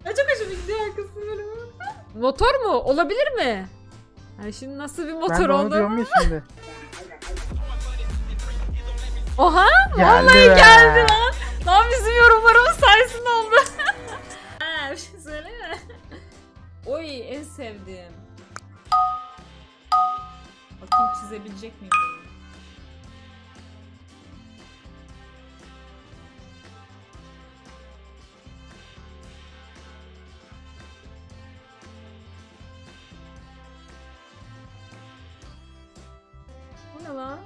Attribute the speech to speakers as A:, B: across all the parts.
A: Çok hoşuma gidiyor arkasını böyle. Motor mu? Olabilir mi? Yani şimdi nasıl bir
B: Ben
A: motor
B: de onu
A: oldu?
B: diyorum ya şimdi.
A: Oha!
B: Geldi
A: Vallahi
B: be.
A: geldi lan. Lan bizim yorumlarımız sayesinde oldu. Ha, bir şey söyleme. Oy en sevdiğim. Bakayım çizebilecek miyim bunu? Bu ne lan?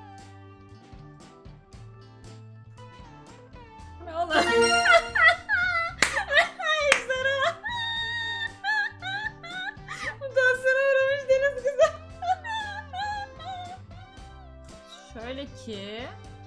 A: Bu ne oğlum? Ejderha. Mutasyona uğramış deniz kızı. Şöyle ki...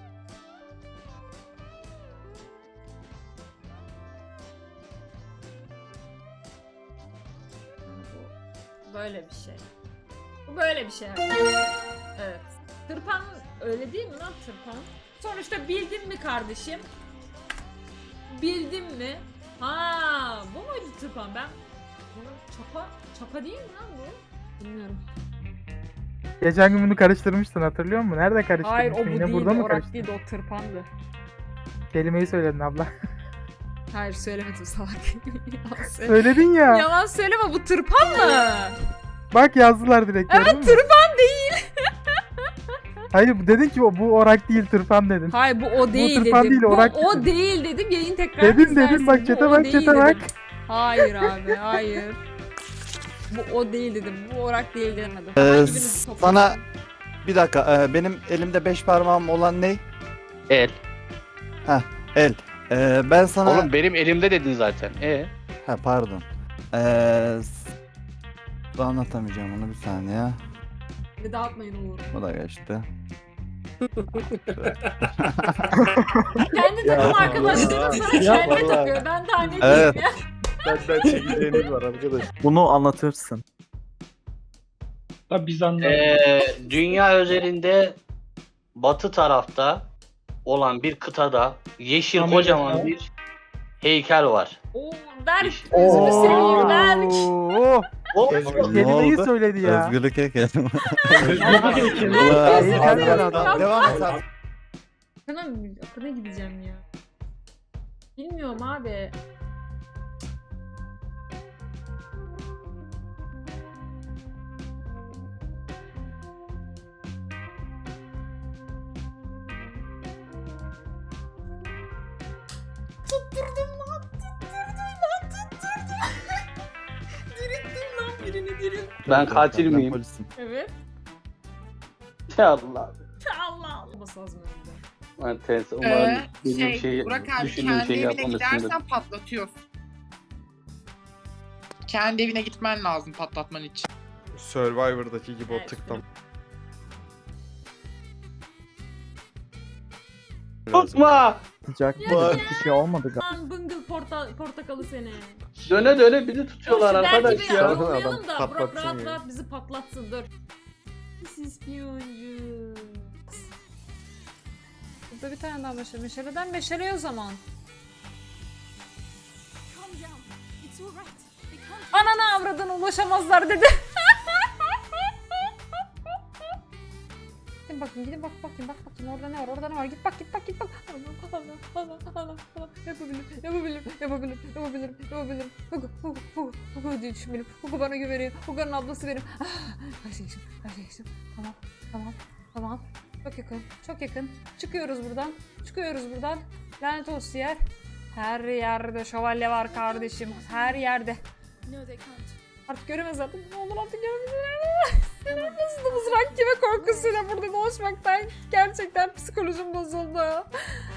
A: Bu böyle bir şey. Bu böyle bir şey. Evet. Tırpan öyle değil mi lan tırpan? Sonuçta bildin mi kardeşim? Bildin mi? Ha, bu muydu tırpan? Ben bunu çapa değil mi lan bu? Bilmiyorum.
B: Geçen gün bunu karıştırmıştın, hatırlıyor musun? Nerede karıştırmıştın?
A: Hayır, o bu
B: Yine
A: değildi,
B: burada mı
A: orak
B: karıştırdın?
A: değildi, o tırpandı.
B: Kelimeyi söyledin abla.
A: Hayır, söylemedim salak. Yalan söyle-
B: Söyledin ya.
A: Yalan söyleme, bu tırpan mı?
B: Bak yazdılar direkt.
A: Evet,
B: gördün mü?
A: tırpan değil.
B: Hayır, dedin ki bu orak değil, tırpan dedin.
A: Hayır, bu o değil
B: tırpan
A: dedim.
B: değil,
A: Bu
B: orak
A: o
B: dedin.
A: değil dedim, yayın tekrar
B: Dedin
A: izlersin.
B: bak
A: Bu
B: çete
A: o
B: bak
A: değil
B: çete
A: dedim.
B: bak.
A: Hayır abi, hayır. Bu o değil dedim, bu orak değil demedim. Hanginizi
C: Sana
A: toplasın?
C: bir dakika, benim elimde 5 parmağım olan ne?
D: El.
C: El. Ben sana...
D: Oğlum benim elimde dedin zaten.
C: Ha pardon. Anlatamayacağım onu, bir saniye.
A: Bir dağıtmayın olur.
C: Bu da geçti.
A: Kendi takım arkadaşlarım sana kelme takıyor. Ben daha ne
C: Evet.
A: diyeyim ya?
E: Benden çekeceğiniz var arkadaş.
C: Bunu anlatırsın.
E: Tabi biz anladık.
D: Dünya üzerinde batı tarafta olan bir kıtada yeşil
E: Amerika.
D: kocaman bir heykel var.
A: Oo, Berk,
D: Yeşil.
A: gözünü seveyim Berk.
B: Oo,
D: O
B: kelimeyi söyledi ya.
C: Özgürlük heykeli.
B: Heykel var adam.
C: Devam et abi.
A: Akına gideceğim ya. Bilmiyorum abi. Tutturdum lan, tutturdum. Dirilttim lan birini dirilttim.
D: ben katil
C: Ben
D: miyim?
C: polisim.
A: Evet.
D: Ya Allah.
A: Allah Allah. Olması lazım önünde.
D: Ben ters. Umarım dediğim şeyi,
F: Burak abi
D: düşündüğüm
F: kendi
D: şeyi
F: evine
D: yapmamışsındır.
F: gidersen patlatıyorsun. Kendi evine gitmen lazım patlatman için.
E: Survivor'daki gibi
A: Evet.
E: o tıklam.
D: Tutma!
B: Sıcak
A: Ya.
B: bir şey olmadı galiba.
A: Lan bıngıl portakalı seni.
D: Döne döne bizi tutuyorlar
A: Dur, şu
D: arkadaş
A: Berk'i bir
D: ya.
A: avlayalım da Burak
E: patlatsın
A: rahat
E: ya.
A: rahat bizi patlatsın dur. Pis ispiyoncu. Burada bir tane daha meşale. Meşaleden meşale o zaman. Anana avradına ulaşamazlar dedi. Gidin bakın, gidin bakayım orada ne var, orada ne var, git bak. Allah, yapabilirim. Hugo diye düşün benim, Hugo bana güveniyor, Hugo'nun ablası benim. Her şey için, tamam. Çok yakın, çıkıyoruz buradan, lanet olsun yer. Her yerde şövalye var kardeşim, her yerde. Artık göremez zaten. Ne olur artık göremez. Nasıl mızrak gibi korkusuyla burada dolaşmaktan gerçekten psikolojim bozuldu.